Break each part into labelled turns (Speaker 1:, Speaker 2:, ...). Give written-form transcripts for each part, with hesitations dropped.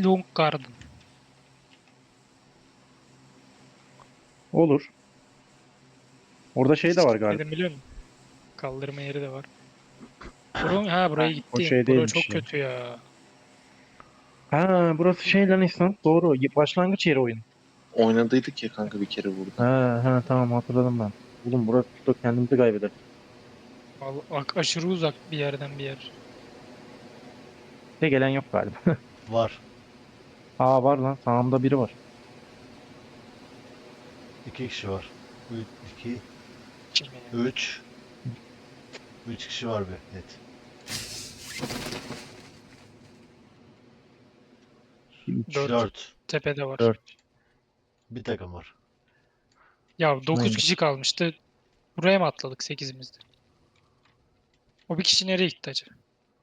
Speaker 1: Long Garden.
Speaker 2: Olur. Orada şey de var galiba.
Speaker 1: Dedim biliyor musun? Kaldırma yeri de var. Buraya
Speaker 2: O
Speaker 1: gittim.
Speaker 2: şey
Speaker 1: Bura
Speaker 2: değilmiş
Speaker 1: çok
Speaker 2: ya.
Speaker 1: kötü ya.
Speaker 2: Ha, burası şey lan İhsan. Doğru. Başlangıç yeri oyun.
Speaker 3: Oynadıydık ya kanka bir kere burada.
Speaker 2: Ha, tamam hatırladım ben. Oğlum burası da kendimizi kaybeder.
Speaker 1: Vallahi aşırı uzak bir yerden bir yer.
Speaker 2: De gelen yok galiba.
Speaker 4: Var.
Speaker 2: Aa, var lan, sağımda biri var.
Speaker 4: 2 kişi var. 2,
Speaker 1: Kim ya?
Speaker 4: 3. 3 kişi var bir net.
Speaker 1: 4
Speaker 4: 4.
Speaker 1: tepede var.
Speaker 2: 4.
Speaker 4: Bir takım var.
Speaker 1: Ya 9
Speaker 2: Aynen.
Speaker 1: kişi kalmıştı. Buraya mı atladık 8'imizde? O bir kişi nereye gitti acaba?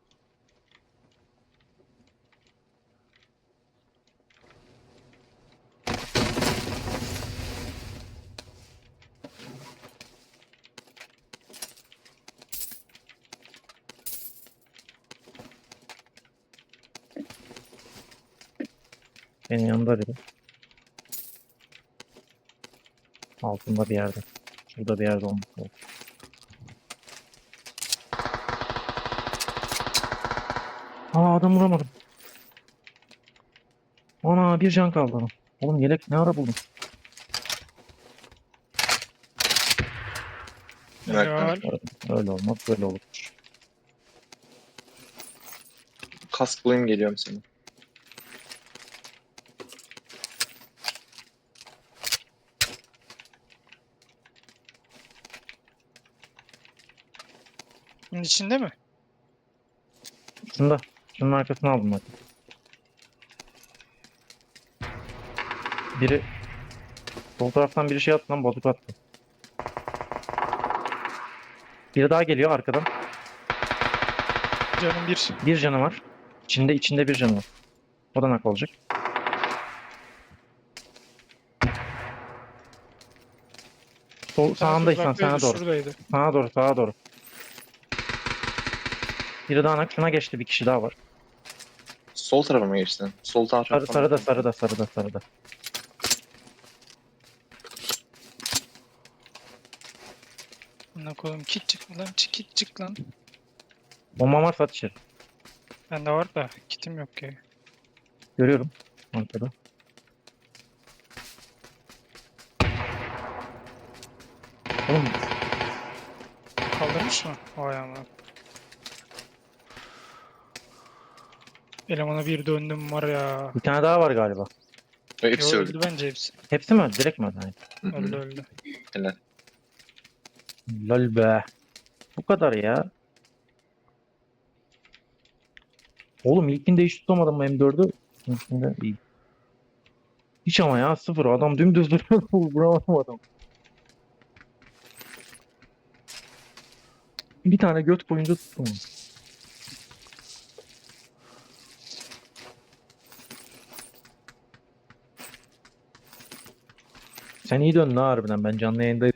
Speaker 2: Benim yanımda biri. Altında bir yerde. Şurada bir yerde olması lazım. Aa, adam vuramadım. Ana, bir can kaldı adam. Oğlum yelek ne ara buldum?
Speaker 1: Helal.
Speaker 2: Öyle olmaz, böyle olur.
Speaker 3: Kask bulayım geliyorum senin.
Speaker 1: Bunun içinde mi?
Speaker 2: Şunun arkasına aldım bak. Biri sol taraftan biri şey attı lan, bozuk attı. Biri daha geliyor arkadan.
Speaker 1: Canım bir.
Speaker 2: Bir canı var. İçinde bir canı var. O da nak olacak. Sağındaysan sana doğru.
Speaker 1: Şuradaydı.
Speaker 2: Sağa doğru. Biri daha nak. Şuna geçti, bir kişi daha var.
Speaker 3: Sol tarafa mı geçtin? Sol taraftan.
Speaker 2: Sarıda.
Speaker 1: Buna koyayım. Kit çık lan. Kit çık lan.
Speaker 2: Bomba varsa at içeri.
Speaker 1: Bende var da kitim yok ya.
Speaker 2: Görüyorum. Arkada. Oğlum
Speaker 1: Kaldırmış mı? Vay ama. Elemana bir döndüm var ya.
Speaker 2: bir tane daha var galiba.
Speaker 3: Ve hepsi
Speaker 1: Yo,
Speaker 3: öldü.
Speaker 1: öldü bence hepsi.
Speaker 2: Hepsi mi öldü? Direkt mi öldü? Hayır.
Speaker 3: Hı hı.
Speaker 1: Öldü.
Speaker 3: Helal.
Speaker 2: Lol be. Bu kadar ya. Oğlum ilkinde hiç tutamadım bu M4'ü. İlkinde iyi. Hiç ama ya, sıfır. Adam dümdüz duruyor. Vuramadım adam. Bir tane göt boyunca tuttum. Sen iyi döndün ha harbiden. Ben canlı yayındayım.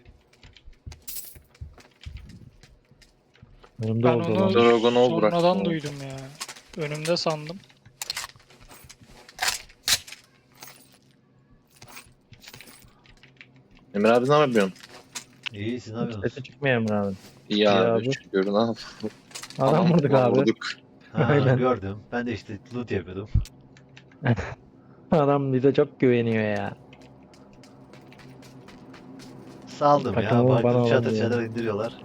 Speaker 2: Önümde
Speaker 1: Ben
Speaker 2: oldu
Speaker 1: onu
Speaker 2: lan.
Speaker 3: Dragon'u bıraktım
Speaker 1: sonradan
Speaker 3: oğlum.
Speaker 1: duydum ya. Önümde sandım.
Speaker 3: Emir abi ne yapıyorsun?
Speaker 4: İyi, siz ne yapıyorsunuz?
Speaker 2: Sesi çıkmıyor Emre abi.
Speaker 3: İyi
Speaker 2: İyi
Speaker 3: abi.
Speaker 2: abi.
Speaker 3: Şükür. Ne yapalım?
Speaker 2: Adam vurduk
Speaker 3: falan
Speaker 2: abi.
Speaker 3: Vurduk.
Speaker 4: Ha,
Speaker 2: Aynen.
Speaker 4: gördüm. Ben de işte loot yapıyordum.
Speaker 2: Adam bize çok güveniyor ya.
Speaker 4: Saldım ya.
Speaker 2: Takımı bana
Speaker 4: Baktım çatır
Speaker 2: alamıyor.
Speaker 4: çatır indiriyorlar.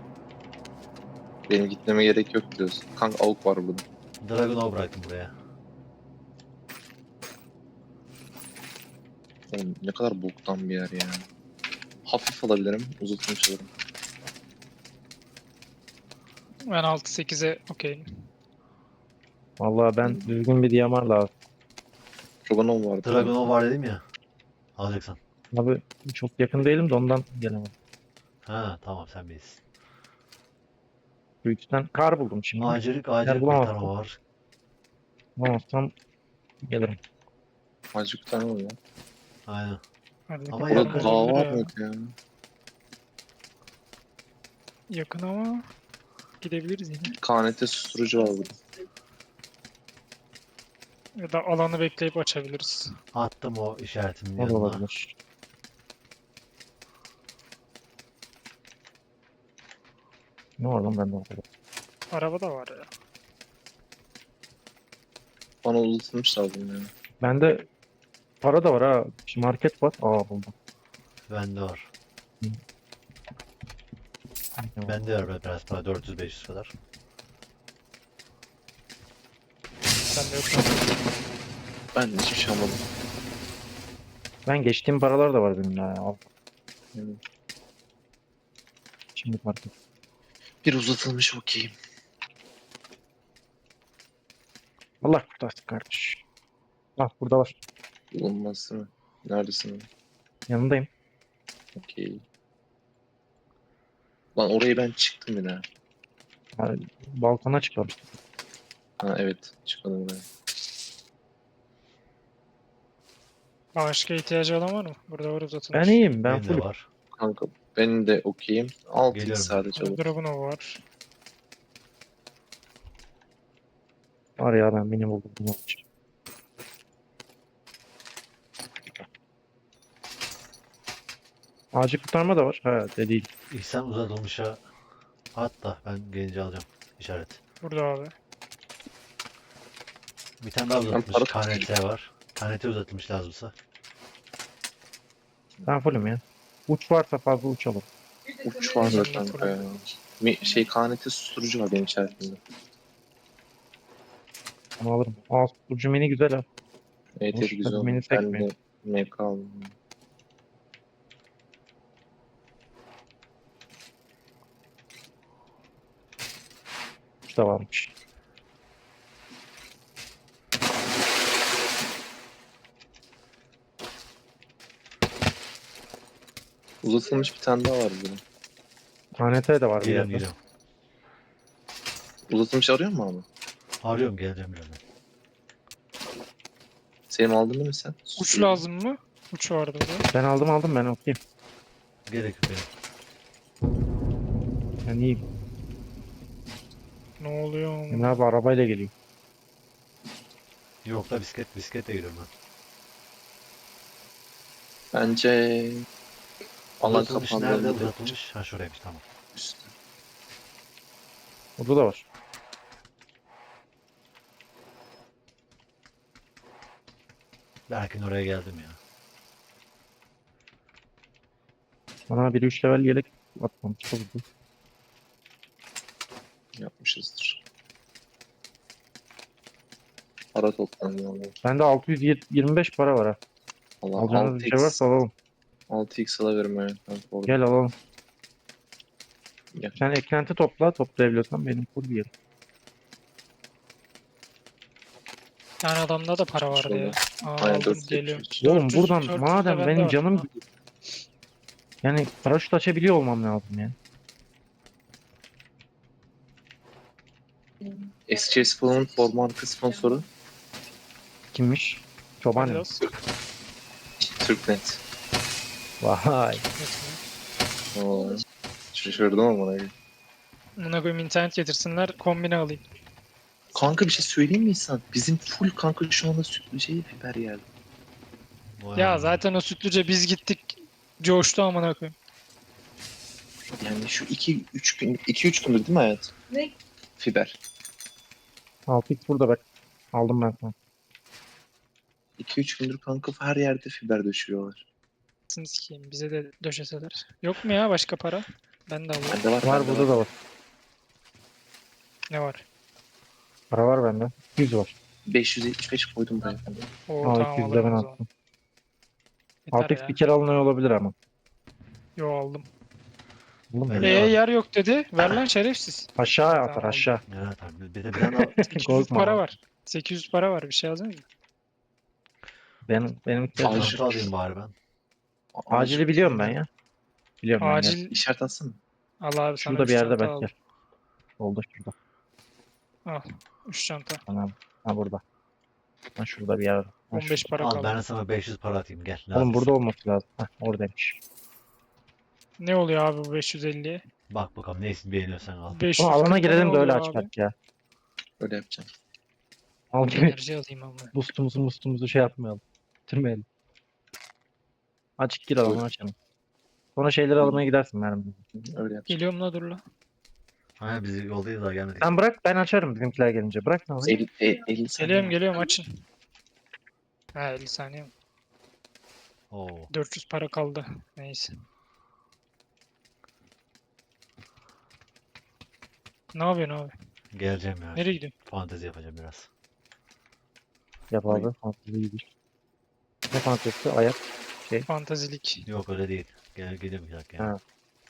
Speaker 3: Benim gitmeme gerek yok diyorsun. Kanka avuk var burada.
Speaker 4: Dragon'u bıraktım buraya.
Speaker 3: Oğlum ne kadar boktan bir yer ya. Hafif alabilirim. Uzatmış alırım.
Speaker 1: Ben 6-8'e okeyim.
Speaker 2: Vallahi ben düzgün bir DMR lazım.
Speaker 3: Dragonov vardı.
Speaker 4: Dragon'u var dedim ya. Alacaksan.
Speaker 2: Abi çok yakın değilim de ondan gelemem.
Speaker 4: Ha tamam, sen bilirsin.
Speaker 2: Büyükten kar buldum şimdi.
Speaker 4: Ağacılık
Speaker 2: Eğer
Speaker 4: kurtarma var.
Speaker 2: bulamazsam gelirim.
Speaker 3: Azıcık tane var ya.
Speaker 4: Aynen.
Speaker 1: Hadi
Speaker 4: Ama
Speaker 1: bakalım,
Speaker 4: yakın.
Speaker 3: Burada dağ
Speaker 1: olabilir
Speaker 3: var
Speaker 1: ya.
Speaker 3: mıydı ya?
Speaker 1: Yakın ama gidebiliriz yine.
Speaker 3: KNT susturucu var burada.
Speaker 1: Ya da alanı bekleyip açabiliriz.
Speaker 4: Attım o işaretimin
Speaker 2: O da
Speaker 4: yanına.
Speaker 2: olabilir. Ne var lan bende o kadar?
Speaker 1: Araba da var ya.
Speaker 3: Bana uzatılmış lazım ya.
Speaker 2: Bende para da var ha. Şimdi market var. Aa buldum.
Speaker 4: Bende var.
Speaker 2: Tamam.
Speaker 4: Bende var biraz para 400-500 kadar.
Speaker 1: Ben de yok.
Speaker 3: Ben hiçbir şey almadım.
Speaker 2: Ben geçtiğim paralar da var benim ya. Al.
Speaker 3: Yani
Speaker 2: Şimdi market.
Speaker 3: bir uzatılmış okeyim.
Speaker 2: Allah kurtarsın kardeş. Bak burada var.
Speaker 3: Bulunmaz değil mi? Neredesin?
Speaker 2: Yanındayım.
Speaker 3: Okey. Lan oraya ben çıktım yine.
Speaker 2: Ha, balkona çıkmamıştım.
Speaker 3: Ha evet. Çıkmadım buraya.
Speaker 1: Başka ihtiyacı olan var mı? Burada var
Speaker 2: Ben
Speaker 1: uzatılmış.
Speaker 2: iyiyim. Ben
Speaker 4: Benim de
Speaker 2: full.
Speaker 4: var.
Speaker 3: Kanka benim de okeyim. 6x
Speaker 4: Geliyorum.
Speaker 3: sadece olur.
Speaker 1: Dragunov var.
Speaker 2: Var ya ben mini buldum. Bunun için. Acil kurtarma da var. Ha de değil.
Speaker 4: İhsan uzatılmışa at da ben gelince alacağım işaret.
Speaker 1: Burada abi.
Speaker 4: Bir tane daha
Speaker 3: Ben
Speaker 4: uzatılmış.
Speaker 3: para
Speaker 4: KNT var. KNT uzatılmış lazımsa.
Speaker 2: Ben fullüm ya. Uç varsa fazla uçalım.
Speaker 3: Uç var da
Speaker 1: Ben de
Speaker 3: kanka
Speaker 1: full.
Speaker 3: ya. Şey KNT susturucu var benim içerisinde.
Speaker 2: Onu alırım. Aa ucu mini güzel ha.
Speaker 3: Evet
Speaker 2: Hoş,
Speaker 3: evet güzel
Speaker 2: hadi beni
Speaker 3: oldu. Ben
Speaker 2: sekmeyin.
Speaker 3: de MK aldım.
Speaker 2: Uç da varmış.
Speaker 3: Uzatılmış bir tane daha var burada.
Speaker 2: KNT de var bir
Speaker 4: Geliyorum
Speaker 2: yerde.
Speaker 4: geliyorum.
Speaker 3: Uzatılmış arıyor mu abi?
Speaker 4: Arıyorum geleceğim birazdan.
Speaker 3: Selim aldın değil mi sen?
Speaker 1: Uç lazım mı? Uç vardı burada.
Speaker 2: Ben aldım ben okuyayım.
Speaker 4: Gerek yok benim.
Speaker 2: Ben iyiyim.
Speaker 1: Ne oluyor?
Speaker 2: Emre abi arabayla geliyor.
Speaker 4: Yok da bisikletle geliyorum ben.
Speaker 3: Bence alan
Speaker 4: Uzatılmış
Speaker 3: kapandı.
Speaker 4: nerede uzatılmış? Ha şuraymış tamam.
Speaker 3: Üstte.
Speaker 2: Burada da var.
Speaker 4: Belki oraya geldim ya.
Speaker 2: Bana bir 3 level yelek atmamış. Çok güzel.
Speaker 3: Yapmışızdır. Para toplandı valla.
Speaker 2: Bende 625 para var ha.
Speaker 3: Valla
Speaker 2: Alacağınız bir şey
Speaker 3: 6x,
Speaker 2: varsa alalım.
Speaker 3: 6x alabilirim ya. Kanka orada.
Speaker 2: Gel alalım.
Speaker 3: Gel.
Speaker 2: Sen eklenti topla. Toplayabiliyorsan benim full bir yerim.
Speaker 1: Yani adamda da para vardı ya. Aa,
Speaker 3: Aynen
Speaker 1: aldım
Speaker 3: 4
Speaker 1: geliyor.
Speaker 2: Oğlum
Speaker 1: 400
Speaker 2: buradan
Speaker 1: 400 de
Speaker 2: madem
Speaker 1: bende
Speaker 2: benim
Speaker 1: var.
Speaker 2: canım yani paraşüt açabiliyor olmam lazım ya.
Speaker 3: SC Spawn'un forma arka sponsoru
Speaker 2: Kimmiş? Çoban mı?
Speaker 1: Adidas.
Speaker 3: Türknet.
Speaker 2: Vay.
Speaker 3: Oo. Şaşırdım ama.
Speaker 1: Buna koyayım internet getirsinler kombine alayım.
Speaker 3: Kanka bir şey söyleyeyim mi İhsan? Bizim full kanka şu anda sütlü şey fiber geldi.
Speaker 4: Vay
Speaker 1: Ya
Speaker 4: anam.
Speaker 1: zaten o sütlüce biz gittik. Coştu amına koyayım.
Speaker 3: Yani şu 2-3 gün 2-3 gündür değil mi hayat?
Speaker 5: Ne?
Speaker 3: Fiber.
Speaker 2: 6x burada bak. Aldım ben sana.
Speaker 3: 2-3 gündür kanka her yerde fiber döşüyorlar.
Speaker 1: Sını sikeyim bize de döşeseler. Yok mu ya başka para? Ben de alayım.
Speaker 3: Bende var.
Speaker 2: Var
Speaker 3: bende
Speaker 2: burada da var.
Speaker 1: Ne var?
Speaker 2: Para var bende. 100 var.
Speaker 3: 575 koydum buraya.
Speaker 1: Oo
Speaker 2: Aa
Speaker 1: tamam
Speaker 2: 200 de ben
Speaker 1: alırım o zaman.
Speaker 2: attım.
Speaker 1: Yeter
Speaker 2: 6x
Speaker 1: ya.
Speaker 2: bir kere alınıyor olabilir ama.
Speaker 1: Yo aldım.
Speaker 2: Oğlum
Speaker 4: Ben-
Speaker 2: ya.
Speaker 1: Yer yok dedi. Ver lan şerefsiz.
Speaker 2: Aşağı
Speaker 1: Tamam,
Speaker 2: atar
Speaker 1: aldım.
Speaker 2: aşağı.
Speaker 4: Ya tabii bir de bir tane
Speaker 1: 800
Speaker 2: Korkma
Speaker 1: para
Speaker 2: abi.
Speaker 1: var. 800 para var. Bir şey yazdınız mı?
Speaker 2: Benim
Speaker 3: Acil.
Speaker 4: çanta alayım bari ben.
Speaker 2: acili biliyorum ben ya. Biliyorum ben. Gel.
Speaker 1: Acil.
Speaker 3: İşaret atsana.
Speaker 1: Al abi sana
Speaker 2: Şurada
Speaker 1: 3
Speaker 2: bir yerde
Speaker 1: çanta
Speaker 2: belki.
Speaker 1: al.
Speaker 2: Gel. Oldu şurada.
Speaker 1: Al. 3 çanta.
Speaker 2: Tamam. Ha burada. Ha şurada bir yerde. Ha,
Speaker 1: 15 para
Speaker 4: Al
Speaker 1: kaldı.
Speaker 4: ben sana 500 para atayım gel.
Speaker 2: şurada. Oğlum
Speaker 4: lazımsa.
Speaker 2: burada olması lazım. Ha oradaymış.
Speaker 1: Ne oluyor abi bu 550'ye?
Speaker 4: Bak bakalım neyini beğeniyorsan al.
Speaker 1: 500
Speaker 2: Oğlum alana girelim de öyle
Speaker 1: oluyor abi?
Speaker 2: açmak ya.
Speaker 3: Öyle yapacağım.
Speaker 2: Al gibi
Speaker 1: Enerji alayım ama.
Speaker 2: boostumuzu şey yapmayalım. Bitirmeyelim. Açık gir alanı açalım. Sonra şeyleri almaya gidersin mermi.
Speaker 3: Öyle yapacağım.
Speaker 1: Geliyorum la dur la.
Speaker 4: Hani biz yoldayız daha gelmedik.
Speaker 2: Sen bırak ben açarım bizimkiler gelince. Bırak ne alayım?
Speaker 3: 50 saniye.
Speaker 1: Geliyorum açın. Ha 50 saniye mi?
Speaker 4: Oo.
Speaker 1: 400 para kaldı. Neyse. Ne yapıyorsun abi?
Speaker 4: Geleceğim ya.
Speaker 1: Nereye gidiyorsun?
Speaker 4: Fantezi yapacağım biraz.
Speaker 2: Yap abi. Fantezi iyidir. Ne fantezisi? Ayak.
Speaker 1: Fantazilik.
Speaker 4: Yok öyle değil. Geliyorum bir dakika ya.
Speaker 2: Ha.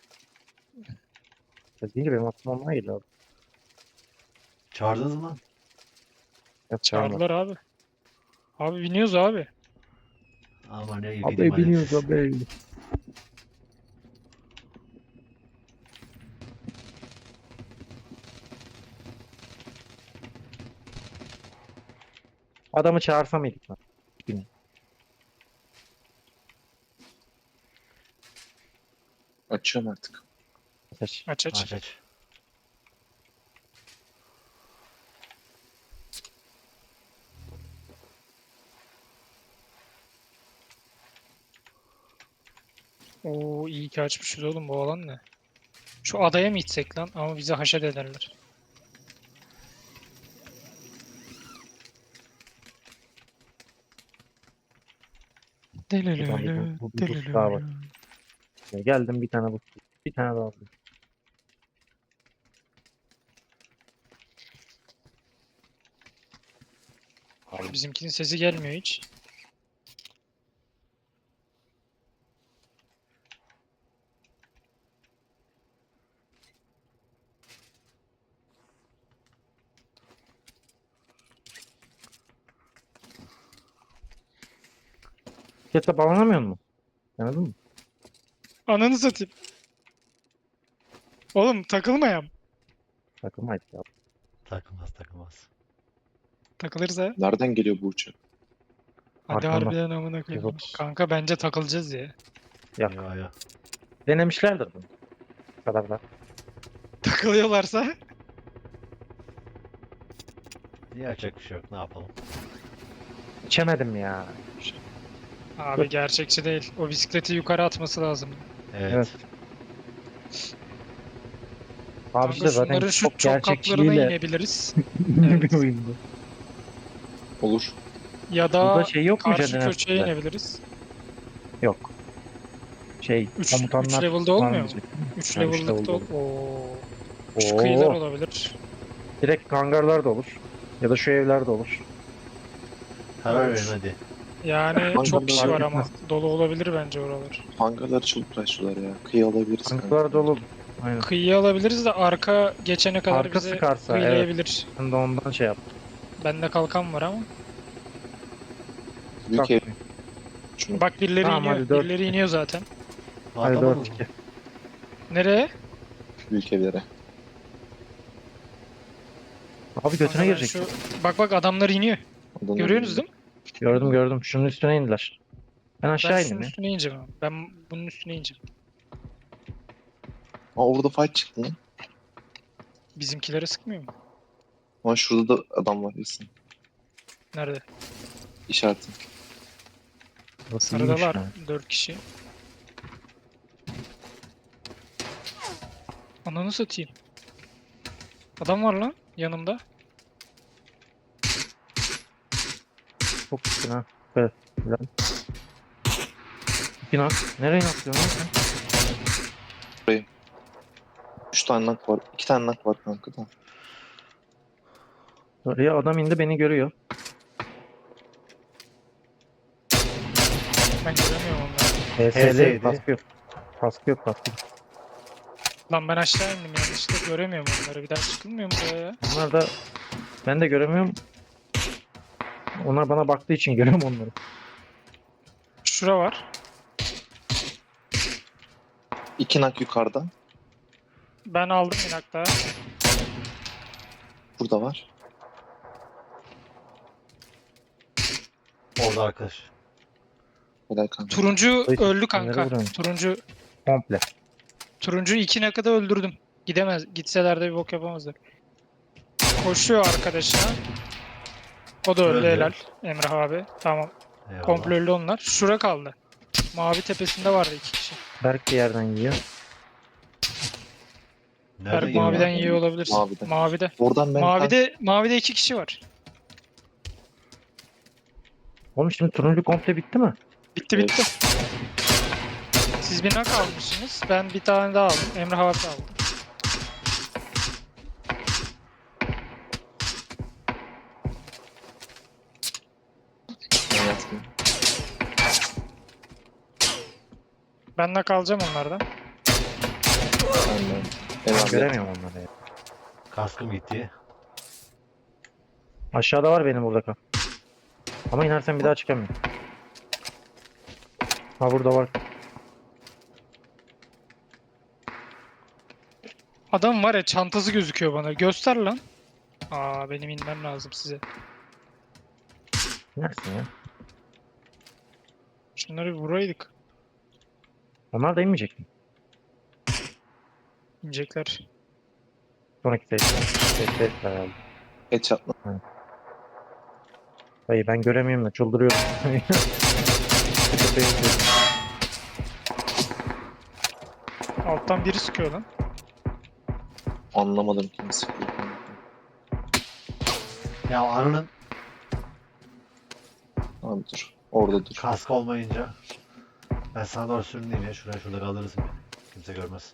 Speaker 2: Fantezi değil benim aklıma onlar geliyor abi.
Speaker 4: Çağırdınız mı lan?
Speaker 2: Yok, çağırma.
Speaker 1: Çağırdılar abi. Abi biniyoruz abi.
Speaker 4: Ama ne gideyim
Speaker 2: Abi
Speaker 4: hadi.
Speaker 2: biniyoruz abi. Adamı çağırsa mıydık lan?
Speaker 3: Açıyorum artık.
Speaker 2: Ateş.
Speaker 1: Aç aç.
Speaker 4: Aç aç.
Speaker 1: Oo iyi ki açmışız oğlum bu alan ne? Şu adaya mı gitsek lan? Ama bizi haşet ederler. Delelele,
Speaker 2: Bu boost daha var.
Speaker 1: delelele.
Speaker 2: Geldim bir tane bu. Bir tane daha aldım.
Speaker 1: Bizimkinin sesi gelmiyor hiç.
Speaker 2: Ketle bağlanamıyor mu? Anladın mı?
Speaker 1: Ananı satayım. Oğlum takılmayam.
Speaker 2: Takılmaydı ya.
Speaker 4: Takılmaz takılmaz.
Speaker 1: Takılırız ha.
Speaker 3: Nereden geliyor bu uçak?
Speaker 1: Hadi
Speaker 2: Arkamda.
Speaker 1: harbiden amına koyayım.
Speaker 2: 130.
Speaker 1: Kanka bence takılacağız ya.
Speaker 2: Yok.
Speaker 4: Ya ya.
Speaker 2: Denemişlerdir bunu. Bu kadar da.
Speaker 1: Takılıyorlarsa
Speaker 4: Yapacak bir şey yok. Ne yapalım?
Speaker 2: İçemedim ya.
Speaker 1: abi gerçekçi değil. O bisikleti yukarı atması lazım.
Speaker 4: Evet.
Speaker 2: Evet. Abi
Speaker 1: Kanka
Speaker 2: işte zaten
Speaker 1: şunların şu
Speaker 2: çok
Speaker 1: çok katlarına
Speaker 2: gerçekçiliğiyle
Speaker 1: inebiliriz.
Speaker 2: ünlü bir
Speaker 1: Evet.
Speaker 2: oyundu.
Speaker 3: Olur.
Speaker 1: Ya
Speaker 2: Burada
Speaker 1: da
Speaker 2: şey yok mu
Speaker 1: karşı
Speaker 2: Caner
Speaker 1: köşeye
Speaker 2: Ersen'de?
Speaker 1: inebiliriz.
Speaker 2: Yok. Şey,
Speaker 1: 3
Speaker 2: komutanlar
Speaker 1: level'da
Speaker 2: var
Speaker 1: olmuyor mu?
Speaker 2: diyecek.
Speaker 1: 3
Speaker 2: Ha, üç
Speaker 1: level'lıkta
Speaker 2: level'da olur.
Speaker 1: Oo. Şu kıyılar
Speaker 2: Oo,
Speaker 1: olabilir.
Speaker 2: direkt hangarlar da olur. Ya da şu evler de olur.
Speaker 4: Karar
Speaker 1: Evet.
Speaker 4: verin hadi.
Speaker 1: Yani
Speaker 3: Hangarlar
Speaker 1: çok kişi
Speaker 2: fark
Speaker 1: var ama
Speaker 2: etmez.
Speaker 1: dolu olabilir bence oralar.
Speaker 3: Hangarları çabuk başlıyorlar ya. Kıyı alabiliriz. kanka.
Speaker 2: Hangarlar dolu. Aynen.
Speaker 1: Kıyıya alabiliriz de arka geçene kadar
Speaker 2: Arka
Speaker 1: bize
Speaker 2: sıkarsa, evet.
Speaker 1: kıyılayabilir.
Speaker 2: Ben de ondan şey yaptım.
Speaker 1: Bende kalkan var ama.
Speaker 3: Büyük ev.
Speaker 2: Bak,
Speaker 3: Şunu.
Speaker 1: Bak birileri
Speaker 2: Tamam,
Speaker 1: iniyor.
Speaker 2: hadi dört.
Speaker 1: Birileri iniyor zaten.
Speaker 2: hadi
Speaker 4: Atalım
Speaker 2: 4-2.
Speaker 1: Nereye?
Speaker 3: Büyük evlere.
Speaker 2: Abi götüne
Speaker 1: Kanka ben
Speaker 2: girecek.
Speaker 1: şu... Bak adamlar iniyor.
Speaker 3: Adamlar
Speaker 1: Görüyorsunuz değil mi?
Speaker 2: Gördüm. Şunun üstüne indiler. Ben
Speaker 1: Ben
Speaker 2: aşağı
Speaker 1: şunun
Speaker 2: indim ya.
Speaker 1: üstüne ineceğim abi. Ben bunun üstüne ineceğim.
Speaker 3: Aa orada fight çıktı lan.
Speaker 1: Bizimkilere sıkmıyor mu?
Speaker 3: Ama şurada da adam var Yasin.
Speaker 1: Nerede?
Speaker 3: İşaretim.
Speaker 2: Burası iyiymiş
Speaker 1: Sarıdalar.
Speaker 2: ha.
Speaker 1: 4 kişi. Ananı satayım. Adam var lan yanımda.
Speaker 2: Çok üstüne ha. Evet. Güzel. İki nak. Nereye naklıyorsun lan sen?
Speaker 3: 3 tane nak var. 2 tane nak var kanka da.
Speaker 2: Oraya adam indi beni görüyor.
Speaker 1: Ben göremiyorum onları.
Speaker 2: HS'li
Speaker 4: HS'ydi.
Speaker 2: kaskı yok. Kaskı yok.
Speaker 1: Lan ben aşağı indim yanlışlıkla göremiyorum onları. Bir daha çıkılmıyor mu buraya ya?
Speaker 2: Onlar da ben de göremiyorum. Onlar bana baktığı için görüyorum onları.
Speaker 1: Şura var.
Speaker 3: 2 nak yukarıda.
Speaker 1: Ben aldım inak daha.
Speaker 3: Burada var.
Speaker 4: Orada arkadaş.
Speaker 3: Helal kanka.
Speaker 1: Turuncu
Speaker 2: Ay,
Speaker 1: öldü
Speaker 2: nereye
Speaker 1: kanka.
Speaker 2: vuruyorsun?
Speaker 1: Turuncu
Speaker 2: Komple.
Speaker 1: 2 nakada öldürdüm. Gidemez. Gitseler de bir bok yapamazlar. Koşuyor arkadaşına. O da öldü,
Speaker 4: Öldü.
Speaker 1: helal. Emrah abi. Tamam.
Speaker 4: Eyvallah.
Speaker 1: Komple öldü onlar. Şura kaldı. Mavi tepesinde vardı 2 kişi.
Speaker 2: Berk bir yerden yiyor.
Speaker 4: Nereden
Speaker 1: Berk
Speaker 4: yiyor
Speaker 1: maviden
Speaker 4: lan?
Speaker 1: yiyor olabilirsin.
Speaker 3: Maviden.
Speaker 1: Mavide.
Speaker 3: Oradan ben
Speaker 1: Mavide 2 kişi var.
Speaker 2: Oğlum şimdi turuncu komple bitti mi?
Speaker 1: Bitti bitti. Siz bir nak almışsınız. Ben bir tane daha aldım. Emrah abi de aldı.
Speaker 3: ben yattım.
Speaker 1: Ben nak alacağım onlardan.
Speaker 3: Ben Eyvallah.
Speaker 2: Göremiyorum onları ya.
Speaker 4: Kaskım gitti.
Speaker 2: Aşağıda var benim burada kal. Ama inersen bir daha çıkamıyorum. Ha burada var.
Speaker 1: Adam var ya, çantası gözüküyor bana. Göster lan. Aa, benim inmem lazım size.
Speaker 2: İnersin ya.
Speaker 1: Şunları bir vuraydık.
Speaker 2: Onlar da inmeyecek mi?
Speaker 1: İnecekler.
Speaker 2: Sonraki seyirciler herhalde.
Speaker 3: Headshot'la.
Speaker 2: Hayır ben göremiyorum da çıldırıyorum.
Speaker 1: Alttan biri sıkıyor lan.
Speaker 3: Anlamadım kim sıkıyor.
Speaker 4: Ya ananın
Speaker 3: Abi dur. Orada dur.
Speaker 4: kask olmayınca ben sana doğru sürüneyim ya. Şurada kaldırırsın beni. Kimse görmez.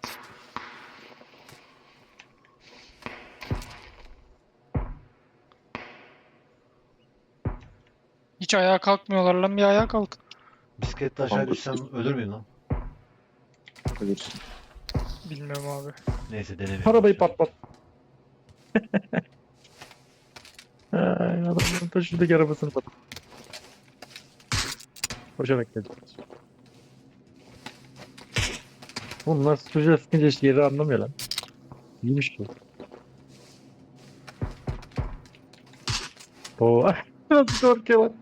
Speaker 1: Hiç ayağa kalkmıyorlar lan, bir ayağa kalkın.
Speaker 4: Bisikletle aşağı
Speaker 3: Kanka,
Speaker 4: düşsem ölür müyüm lan?
Speaker 3: Ölürsün.
Speaker 1: Bilmiyorum abi.
Speaker 4: Neyse denemiyorum.
Speaker 2: Arabayı patlat. Ay, adamın taşıdaki arabasını patlat. Koşarak geldi. Bunlar çocuğa sıkınca işte yeri anlamıyor lan. İyiymiş bu. Oo, nasıl korkuyor lan?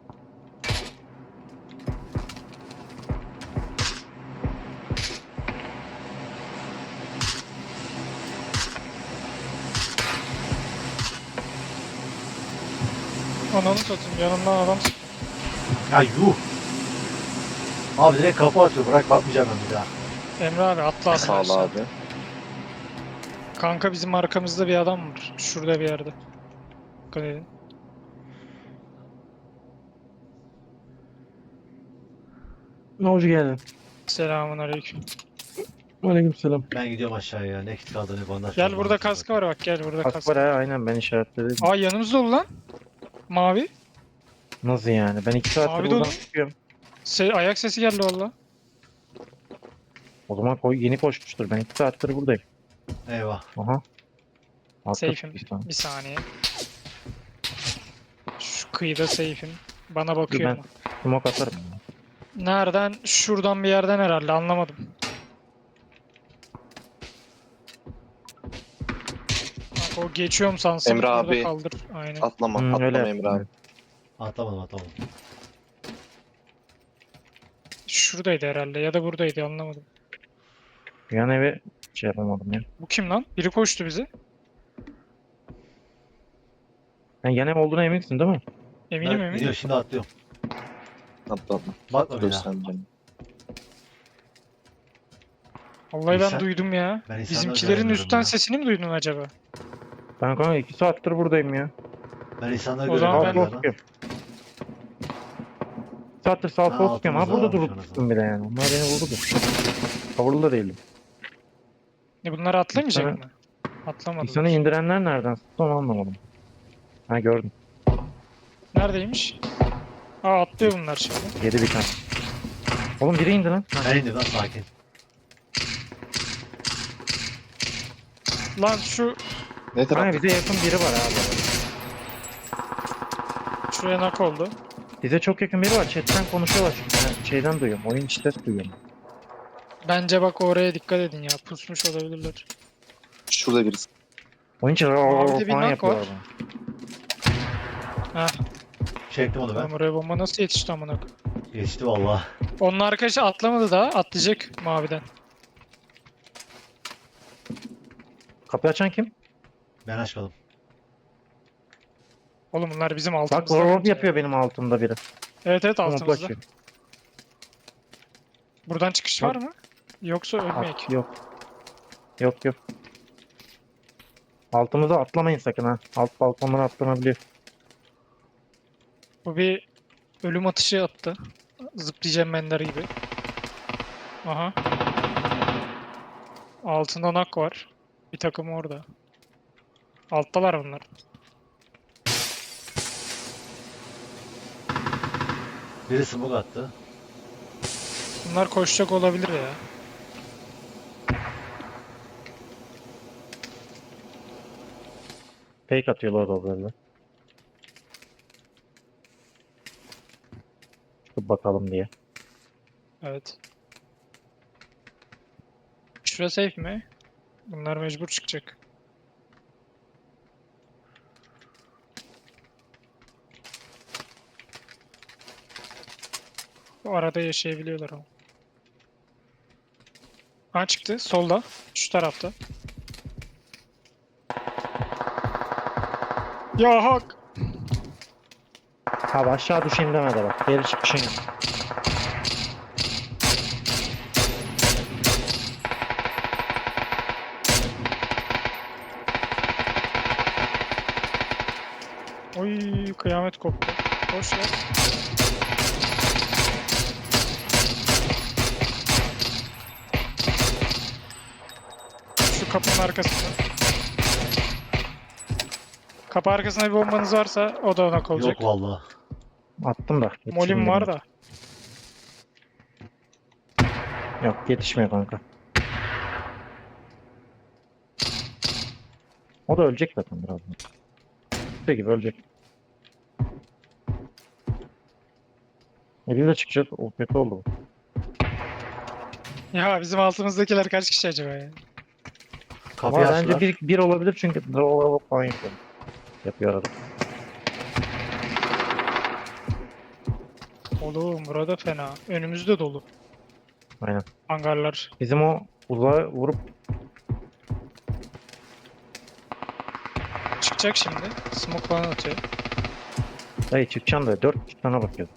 Speaker 1: Ananı satayım, yanımdan adam sık-
Speaker 4: Ya yuh! Abi direkt kapı atıyor. Bırak bakmayacağım ben bir daha.
Speaker 1: Emre abi atla
Speaker 3: Sağ ol
Speaker 1: aşağı.
Speaker 3: abi.
Speaker 1: Kanka bizim arkamızda bir adam var. Şurada bir yerde. Dikkat edin.
Speaker 2: Ne hoş geldin.
Speaker 1: Selamun aleyküm.
Speaker 2: Aleykümselam.
Speaker 4: Ben gidiyorum aşağıya ya. Ne kit kaldı ne bandaj
Speaker 1: Gel
Speaker 4: kaldı,
Speaker 1: burada
Speaker 4: bana
Speaker 1: kaskı var bak, gel burada
Speaker 2: Kask
Speaker 1: kask.
Speaker 2: var ha aynen ben işaretledim.
Speaker 1: Aa, yanımızda ol lan. Mavi.
Speaker 2: Nasıl yani? Ben 2 saattir
Speaker 1: Abi
Speaker 2: buradan
Speaker 1: dolu.
Speaker 2: çıkıyorum.
Speaker 1: Ayak sesi geldi valla.
Speaker 2: O zaman yeni koşmuştur. Ben 2 saattir buradayım.
Speaker 4: Eyvah.
Speaker 2: Aha. Altta
Speaker 1: Safe'im.
Speaker 2: bir tane.
Speaker 1: Bir saniye. Şu kıyıda safe'im. Bana
Speaker 2: Dur
Speaker 1: bakıyor
Speaker 2: ben
Speaker 1: mu?
Speaker 2: smoke atarım.
Speaker 1: Nereden? Şuradan bir yerden herhalde, anlamadım. Bak, o geçiyorum sansın.
Speaker 3: Emre
Speaker 1: orada
Speaker 3: abi.
Speaker 1: kaldır. Aynen.
Speaker 3: Atlama.
Speaker 2: Hı,
Speaker 3: Atlama
Speaker 2: öyle
Speaker 3: Emre abi.
Speaker 4: Atlamadım.
Speaker 1: Şuradaydı herhalde ya da buradaydı, anlamadım.
Speaker 2: Yan eve şey yapamadım ya.
Speaker 1: Bu kim lan? Biri koştu bize.
Speaker 2: Sen yan ev olduğuna eminsin değil mi?
Speaker 1: Eminim
Speaker 4: Ben
Speaker 1: eminim.
Speaker 4: gidiyorum şimdi atlıyorum.
Speaker 3: Atla atla.
Speaker 4: Bakma bir daha.
Speaker 3: Göstermeyeceğim.
Speaker 1: Vallahi ben
Speaker 4: İnsan-
Speaker 1: duydum ya.
Speaker 4: Ben insanları
Speaker 1: Bizimkilerin
Speaker 4: göremiyorum
Speaker 1: üstten
Speaker 4: ya.
Speaker 1: sesini mi duydun acaba?
Speaker 2: Ben kanka 2 saattir buradayım ya.
Speaker 4: Ben insanları
Speaker 1: O zaman
Speaker 4: göremiyorum.
Speaker 2: Sağ
Speaker 1: ben-
Speaker 2: sol sıkıyorum. 2 saattir sağ
Speaker 4: Ha,
Speaker 2: sol sıkıyorum. Ha
Speaker 4: altımızda
Speaker 2: burada
Speaker 4: varmış
Speaker 2: durup
Speaker 4: orası.
Speaker 2: tuttum bile yani. Onlar beni vurdu. Kavurlu da değildim.
Speaker 1: Bunlar atlamayacak
Speaker 2: İnsana-
Speaker 1: mı? Atlamadılar.
Speaker 2: İnsanı indirenler nereden sıktı onu anlamadım. Ha gördüm.
Speaker 1: Neredeymiş? Aa, atlıyor bunlar şimdi.
Speaker 2: Yedi bir tane. Oğlum biri indi lan.
Speaker 4: Ben indim lan sakin.
Speaker 1: Lan şu
Speaker 3: Ne
Speaker 2: Kanka
Speaker 3: taraf?
Speaker 2: bize yakın biri var abi.
Speaker 1: şuraya nak oldu.
Speaker 2: Bize çok yakın biri var. Chatten konuşuyorlar çünkü. Ben şeyden duyuyorum. Oyun içi ses duyuyorum.
Speaker 1: Bence bak, oraya dikkat edin ya. Pusmuş olabilirler.
Speaker 3: Şurada birisi.
Speaker 2: Oyun içi
Speaker 1: Mavide bir
Speaker 2: falan
Speaker 1: nak
Speaker 2: yapıyorlar
Speaker 1: var.
Speaker 2: bana.
Speaker 1: Heh,
Speaker 4: Çektim onu ben.
Speaker 1: lan oraya bomba nasıl yetişti amına koyayım?
Speaker 4: Geçti valla.
Speaker 1: Onun arkadaşı atlamadı daha. Atlayacak maviden.
Speaker 2: Kapıyı açan kim?
Speaker 4: Ben açmadım.
Speaker 1: Oğlum bunlar bizim
Speaker 2: Bak
Speaker 1: altımızda.
Speaker 2: warp
Speaker 1: bence.
Speaker 2: yapıyor benim altımda biri.
Speaker 1: Evet evet
Speaker 2: Komple
Speaker 1: altımızda.
Speaker 2: açıyor.
Speaker 1: Buradan çıkış
Speaker 2: Bak.
Speaker 1: var mı? Yoksa ölmeyek.
Speaker 2: Yok. Yok yok. Altımıza atlamayın sakın ha. Alt balkonlara atlanabiliyor.
Speaker 1: Bu bir ölüm atışı attı. Zıplayacağım menler gibi. Aha. Altında nak var. Bir takım orada. Alttalar bunlar.
Speaker 4: Biri smoke attı.
Speaker 1: Bunlar koşacak olabilir ya.
Speaker 2: Fake atıyorlar da böyle. Çıkıp bakalım diye.
Speaker 1: Evet. Şura safe mi? Bunlar mecbur çıkacak. Bu arada yaşayabiliyorlar ama. Ha çıktı. Solda. Şu tarafta. Ya hak.
Speaker 2: Abi aşağı düşeyim demedi bak. Geri çıkışın yok.
Speaker 1: Oy kıyamet koptu. Boş ver. Şu kapının arkasında. Kapı arkasında bir bombanız varsa o da ona olacak.
Speaker 4: Yok vallahi.
Speaker 2: Attım da.
Speaker 1: Molim var da.
Speaker 2: Yok yetişmiyor kanka. O da ölecek zaten birazdan. Şey gibi ölecek. Eliyle çıkacak. O kötü oldu bu.
Speaker 1: Ya bizim altımızdakiler kaç kişi acaba ya?
Speaker 4: Kapıyı
Speaker 2: Ama
Speaker 4: açtılar.
Speaker 2: bence bir olabilir çünkü draw falan yapıyor. Yapıyor arada.
Speaker 1: Oğlum burada fena. Önümüzde dolu.
Speaker 2: Aynen.
Speaker 1: Hangarlar.
Speaker 2: Bizim o uzağa vurup
Speaker 1: Çıkacak şimdi. Smoke falan atıyor.
Speaker 2: dayı çıkacaksın da 4 tane bakıyoruz.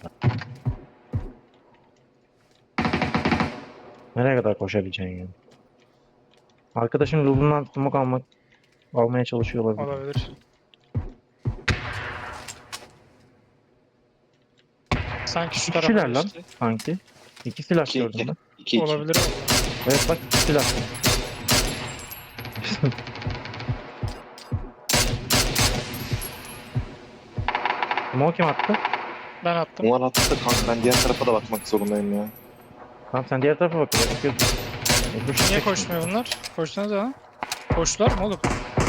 Speaker 2: Nereye kadar koşabileceksin yani? Arkadaşım yolundan smoke almaya çalışıyor olabilir.
Speaker 1: Olabilir. Sanki şu
Speaker 2: İki
Speaker 1: tarafa
Speaker 2: kişiler lan.
Speaker 1: geçti.
Speaker 2: Sanki. 2 silah
Speaker 3: İki,
Speaker 2: gördüm
Speaker 3: iki.
Speaker 2: ben.
Speaker 3: 2-2.
Speaker 1: Olabilir valla.
Speaker 2: Evet bak 2 silah. Smoke kim attı?
Speaker 1: Ben attım.
Speaker 3: Bunlar attı da kanka ben diğer tarafa da bakmak zorundayım ya.
Speaker 2: Tamam sen diğer tarafa bak. Bakıyorsun.
Speaker 1: Niye koşmuyor bunlar? Koşsanız ha? Koştular mı oğlum?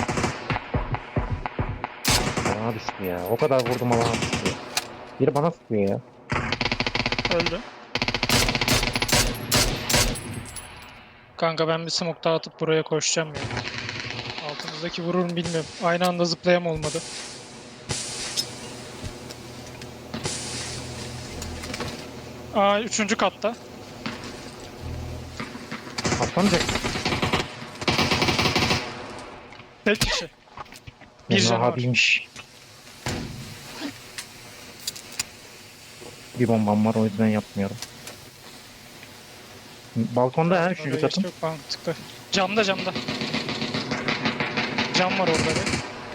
Speaker 2: Bana düştü ya. O kadar vurdum alana düştü. Biri bana sıkıyor ya.
Speaker 1: Öldü. Kanka ben bir smoke daha atıp buraya koşacağım ya. Altımızdaki vurur mu bilmiyorum. Aynı anda zıplayam olmadı. Aa üçüncü katta.
Speaker 2: Atlanacak.
Speaker 1: Tek kişi. Bir
Speaker 2: Benim
Speaker 1: canı var.
Speaker 2: abiymiş. Bir bombam var o yüzden yapmıyorum. Balkonda her üçüncü
Speaker 1: Oraya
Speaker 2: katın.
Speaker 1: geçti, yok mantıklı. Camda camda. Cam var orada bir.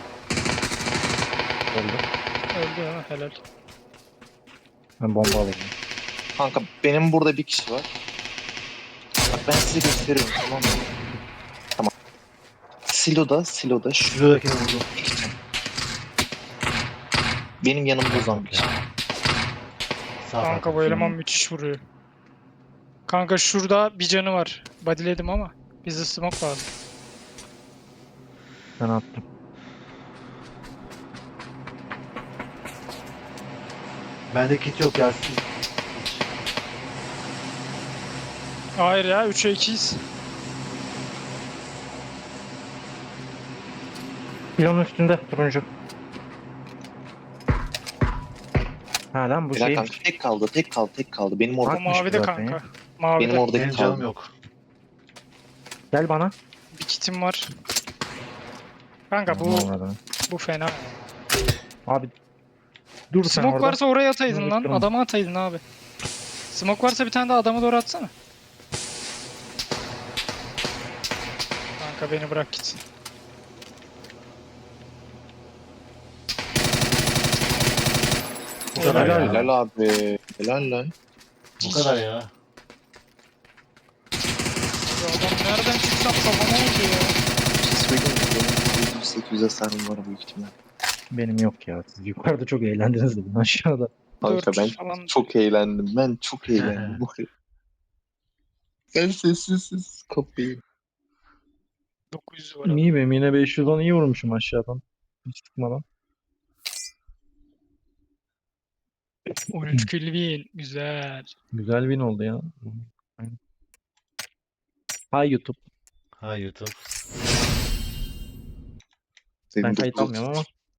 Speaker 2: Öldü.
Speaker 1: Öldü ha helal.
Speaker 2: Ben bomba alayım.
Speaker 3: Kanka benim burada bir kişi var. Bak ben size gösteriyorum tamam mı? Tamam. Siloda şu
Speaker 4: Şuradakini vurdum.
Speaker 3: benim yanımda uzan bir kişi.
Speaker 4: Sağ
Speaker 1: Kanka
Speaker 4: tarafta.
Speaker 1: bu eleman müthiş vuruyor. Kanka şurada bir canı var. Bodyledim ama. Bize smoke lazım.
Speaker 2: Ben attım.
Speaker 4: Bende kit yok gelsin.
Speaker 1: Hayır ya 3'e 2'yiz.
Speaker 2: Pilonun üstünde turuncu. Ha lan bu
Speaker 3: Helal
Speaker 2: şeymiş.
Speaker 3: kanka tek kaldı. Benim orada.
Speaker 1: O
Speaker 2: Bakmış
Speaker 1: mavide
Speaker 2: zaten
Speaker 1: kanka.
Speaker 2: ya.
Speaker 1: Mavide.
Speaker 3: Benim oradaki
Speaker 4: Benim canım
Speaker 3: kaldı.
Speaker 4: yok.
Speaker 2: Gel bana.
Speaker 1: Bir kitim var. Kanka
Speaker 2: Aman Allah'ım.
Speaker 1: bu fena.
Speaker 2: Abi dur sen
Speaker 1: Smoke
Speaker 2: orada.
Speaker 1: varsa oraya ataydın lan.
Speaker 2: Durun.
Speaker 1: Adama ataydın abi. Smoke varsa bir tane daha adama doğru atsana. Kanka beni bırak git.
Speaker 4: Bu kadar
Speaker 2: Helal
Speaker 4: ya.
Speaker 3: Helal abi. Helal lan.
Speaker 4: Bu kadar ya.
Speaker 1: Ya adam nereden çıksam kafama oldu ya.
Speaker 3: Bir şey söyleyeyim mi? Benim 800 hasarım var büyük ihtimal.
Speaker 2: Benim yok ya. Siz yukarıda çok eğlendiniz de ben aşağıda.
Speaker 3: Kanka ben
Speaker 1: 400 falan.
Speaker 3: çok eğlendim. Ben çok eğlendim. Ben sessiz kafayı.
Speaker 1: 900 var adam.
Speaker 2: İyi benim yine 510 iyi vurmuşum aşağıdan. Hiç sıkmadan.
Speaker 1: 13 kill win. Güzel.
Speaker 2: Güzel win oldu ya. Aynen. Hay YouTube.
Speaker 4: Ha YouTube.
Speaker 2: Ben
Speaker 3: Senin
Speaker 2: kayıt
Speaker 3: 930
Speaker 2: almıyorum ama.